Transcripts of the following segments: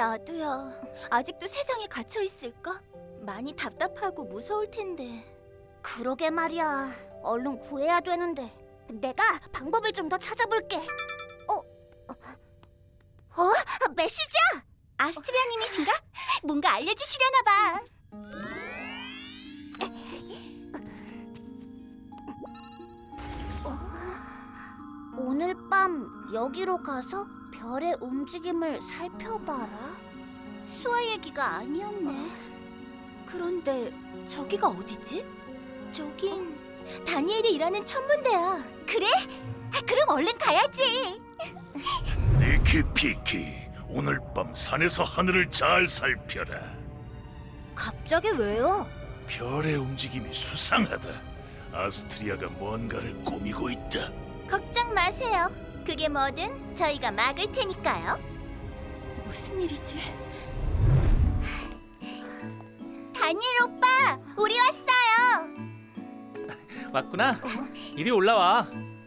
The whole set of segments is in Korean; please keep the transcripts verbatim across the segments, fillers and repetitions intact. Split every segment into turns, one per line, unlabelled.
나도야. 아직도 세상에 갇혀 있을까? 많이 답답하고 무서울 텐데.
그러게 말이야. 얼른 구해야 되는데. 내가 방법을 좀 더 찾아볼게. 어? 어? 어? 메시지야!
아스트리아님이신가? 뭔가 알려주시려나 봐.
오늘 밤 여기로 가서 별의 움직임을 살펴봐라.
수아 얘기가 아니었네. 그런데 저기가 어디지? 저긴 다니엘이 일하는 천문대야. 그래? 그럼 얼른 가야지.
니키 피키, 오늘 밤 산에서 하늘을 잘 살펴라.
갑자기 왜요?
별의 움직임이 수상하다. 아스트리아가 뭔가를 꾸미고 있다.
걱정 마세요. 그게 뭐든 저희가 막을 테니까요. 무슨 일이지? 다니엘 오빠, 우리 왔어요.
왔구나. 이리 올라와.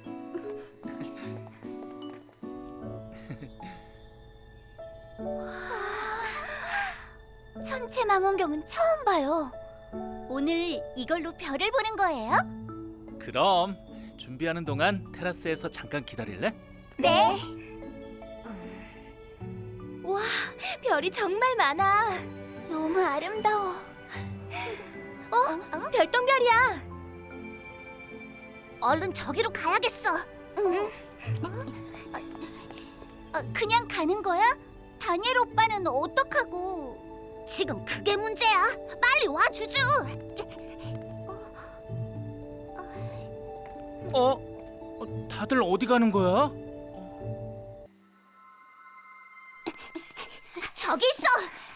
천체망원경은 처음 봐요. 오늘 이걸로 별을 보는 거예요?
그럼 준비하는 동안 테라스에서 잠깐 기다릴래?
네. 와, 별이 정말 많아. 너무 아름다워. 어? 별똥별이야.
얼른 저기로 가야겠어.
응. 어, 그냥 가는 거야? 다니엘 오빠는 어떡하고?
지금 그게 문제야. 빨리 와, 주주.
어? 어, 다들 어디 가는 거야?
저기 있어.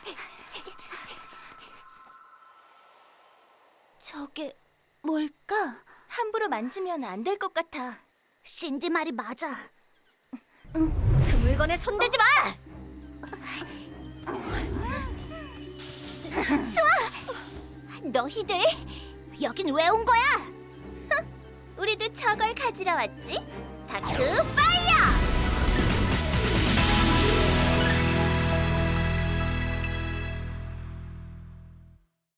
저게 뭘까? 함부로 만지면 안 될 것 같아.
신디 말이 맞아.
그 물건에 손대지 마! 수아! 너희들
여긴 왜 온 거야?
우리도 저걸 가지러 왔지? 다크 파!